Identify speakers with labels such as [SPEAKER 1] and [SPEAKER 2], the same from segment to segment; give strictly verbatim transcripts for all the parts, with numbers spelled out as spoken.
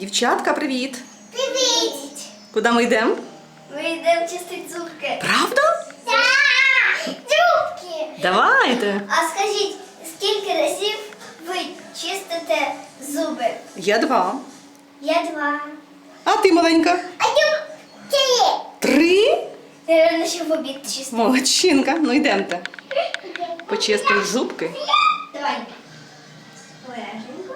[SPEAKER 1] Дівчатка, привіт!
[SPEAKER 2] Привіт!
[SPEAKER 1] Куди ми йдемо?
[SPEAKER 2] Ми йдемо чистити зубки.
[SPEAKER 1] Правда?
[SPEAKER 2] Так! Зубки!
[SPEAKER 1] Давайте!
[SPEAKER 2] А скажіть, скільки разів ви чистите зуби?
[SPEAKER 1] Я два.
[SPEAKER 2] Я два.
[SPEAKER 1] А ти маленька?
[SPEAKER 2] А я три.
[SPEAKER 1] Три?
[SPEAKER 2] Наверно, ще в обід чистити.
[SPEAKER 1] Молодчинка. Ну йдемте. Почистимо зубки.
[SPEAKER 2] Давай. Обережненько.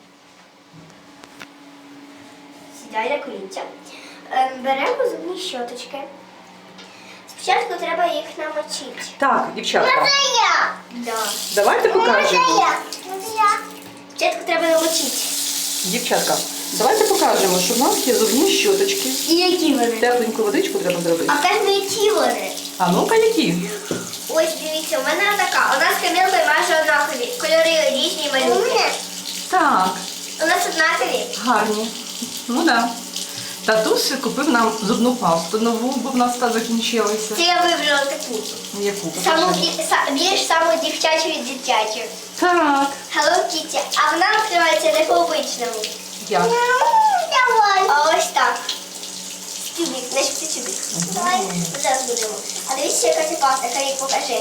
[SPEAKER 2] Сідай на колінця. Ем, Беремо зубні щоточки. Спочатку треба їх намочити.
[SPEAKER 1] Так, дівчатка.
[SPEAKER 2] я. Да.
[SPEAKER 1] Давайте покажемо.
[SPEAKER 2] я. Спочатку треба намочити.
[SPEAKER 1] Дівчатка, давайте покажемо, що в нас є зубні щоточки.
[SPEAKER 2] І які вони?
[SPEAKER 1] Тепленьку водичку треба зробити.
[SPEAKER 2] А кажемо, які вони?
[SPEAKER 1] А ну-ка, які?
[SPEAKER 2] Ось дивіться, у мене така. У нас з Камілкою майже однакові. Кольори різні, малюнки.
[SPEAKER 1] Так,
[SPEAKER 2] У нас однакові.
[SPEAKER 1] гарні. Ну да. Татусь купив нам зубну пасту нову, бо в нас та закінчилася.
[SPEAKER 2] Це я вибрала таку.
[SPEAKER 1] Яку?
[SPEAKER 2] Саму,
[SPEAKER 1] Покажи.
[SPEAKER 2] ді- са- більш саму дівчачу від дитячу.
[SPEAKER 1] Так.
[SPEAKER 2] Hello Kitty. А вона відкривається не по-обичному.
[SPEAKER 1] Як?
[SPEAKER 2] Давай. А ось так. Тюбик, значить це тюбик. Давай, зараз будемо. А дивіться, яка це паста, Карік, покажи.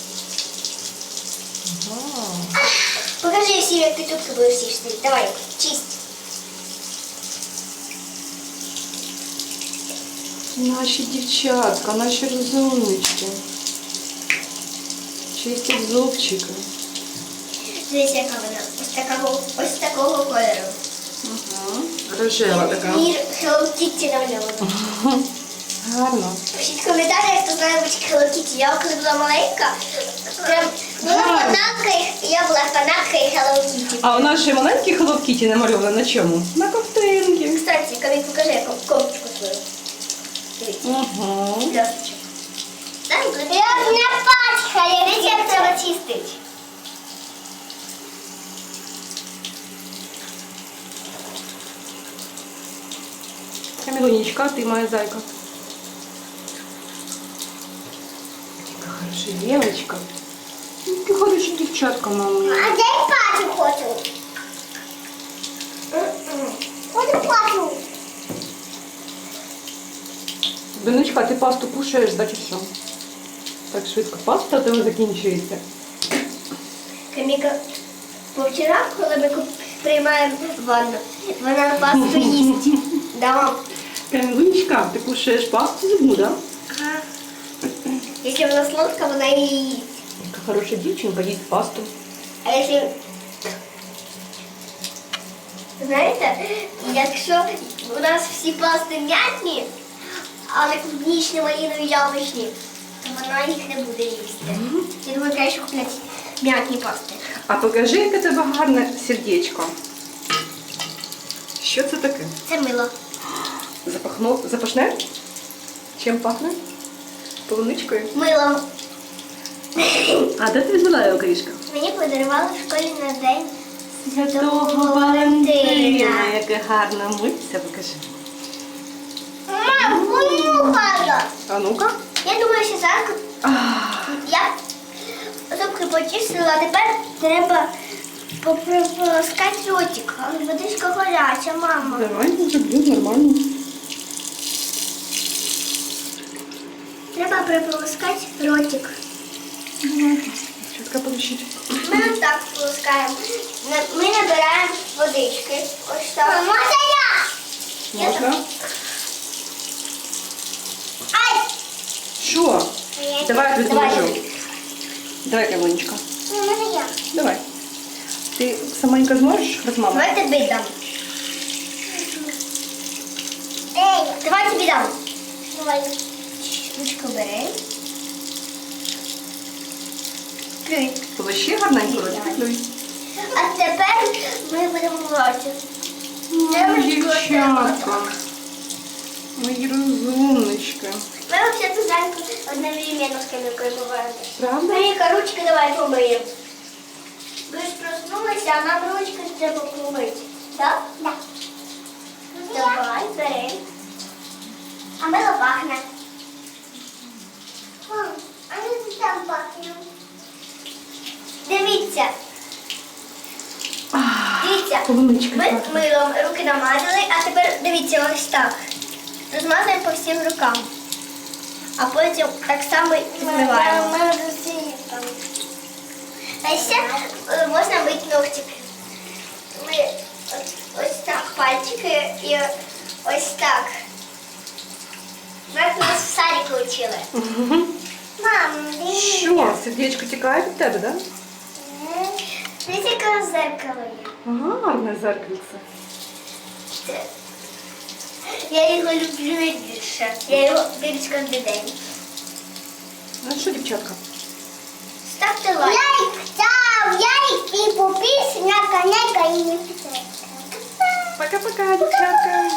[SPEAKER 2] Покажи всім, як ти тутки будеш чистити. Давай, чисть.
[SPEAKER 1] Наші дівчатка, наші розумнички. Чистять зубчики.
[SPEAKER 2] Дивіться, яка вона. Ось такого, ось такого кольору.
[SPEAKER 1] Угу. Рожева така.
[SPEAKER 2] Мір Hello Kitty намальовано.
[SPEAKER 1] Гарно.
[SPEAKER 2] Пишіть в коментарях, хто знає будь Hello Kitty. Я коли була маленька, прям була
[SPEAKER 1] Гарно.
[SPEAKER 2] фанаткою, я була фанаткою Hello Kitty.
[SPEAKER 1] А у нашої маленькій Hello Kitty намальована на чому? На ковтинки.
[SPEAKER 2] Кстати, Камік, покажи, яку кофточку свою. Дивіться.
[SPEAKER 1] Угу.
[SPEAKER 2] Блесточек. Я не пачкаю, дивіться, як треба чистити.
[SPEAKER 1] Камілунічка, ти моя зайка. Яка хороша дівчинка. Яка хороша дівчатка, мама.
[SPEAKER 2] А де я пачу хочу? Хочу пачу.
[SPEAKER 1] Донечка, ти пасту кушаєш, да, чи що? Так швидко паста у тебе закінчується.
[SPEAKER 2] Каміка, повчора, коли ми куп- приймаємо ванну, вона пасту їсть. Да, мам?
[SPEAKER 1] Камілунічка, ти кушаєш пасту зубну, да?
[SPEAKER 2] Ага. Якщо вона солодка, вона її їсть.
[SPEAKER 1] Яка хороша дівчинка, їсть пасту.
[SPEAKER 2] А якщо... Знаєте, якщо у нас всі пасти м'ятні, але клубнічні, малинові, яблучні, то вона їх не буде їсти. Я думаю, краще купляти м'ятні пасти.
[SPEAKER 1] А покажи, яке тебе гарне сердечко. Що це таке?
[SPEAKER 2] Це мило.
[SPEAKER 1] Запахнув, запашне? Чим пахне? Полуничкою?
[SPEAKER 2] Мило.
[SPEAKER 1] А де ти взяла його, Крішка?
[SPEAKER 2] Мені подарували в школі на день
[SPEAKER 1] Святого Валентина. Яке гарне митця, покажи.
[SPEAKER 2] Мам, понюхала.
[SPEAKER 1] А ну-ка.
[SPEAKER 2] Я думаю, що зараз
[SPEAKER 1] Ах,
[SPEAKER 2] я зубки почистила, а тепер треба пополоскати ротик. Але водичка гаряча, мама.
[SPEAKER 1] Давай, зроблю нормально.
[SPEAKER 2] Треба приполоскати ротик.
[SPEAKER 1] Чітко полощить.
[SPEAKER 2] Ми ось так полоскаємо. На- Ми набираємо водички. Ось так. Можна я?
[SPEAKER 1] Можна?
[SPEAKER 2] Ай!
[SPEAKER 1] Що? Давай я
[SPEAKER 2] Давай.
[SPEAKER 1] відложу. Давай, Камилунечка.
[SPEAKER 2] Можна я?
[SPEAKER 1] Давай. Ти саменька зможеш без мами?
[SPEAKER 2] Давай тобі дам. Ей, давай тобі дам. Давай. Ручку бери. Плюй.
[SPEAKER 1] Полощи гарненько,
[SPEAKER 2] Давай.
[SPEAKER 1] ротик плюй.
[SPEAKER 2] А тепер ми будемо роті.
[SPEAKER 1] Ой, дівчатка. Мої розумнички.
[SPEAKER 2] Ми взагалі зранку одновременно з Камілкою буваємо.
[SPEAKER 1] Правда?
[SPEAKER 2] Маріка, ручки давай помиємо. Ви ж проснулися, а нам ручки треба помити. Так? Так. Давай, бери. А мило пахне. А ми там пахнемо. Дивіться.
[SPEAKER 1] Ах,
[SPEAKER 2] Дивіться.
[SPEAKER 1] коли Умничка.
[SPEAKER 2] Ми милом руки намазали, а тепер дивіться ось так. Розмазуємо по всім рукам. А потім так само змиваємо. А ще е, можна мити ногтики. Ми ось, ось так пальчики і ось так. Як нас в садіку вчили. Мам, дивіться.
[SPEAKER 1] Що, сердечко тікає від тебе, да?
[SPEAKER 2] Дивіться, яке зеркало є.
[SPEAKER 1] Гарне зеркальце.
[SPEAKER 2] Це- Я його люблю найбільше. Я його дивлюсь кожен день.
[SPEAKER 1] Ну що, дівчатка?
[SPEAKER 2] Ставте лайк. Лайк, став, лайк і підписуйтесь на канал Гаїни.
[SPEAKER 1] Пока-пока, дівчатка.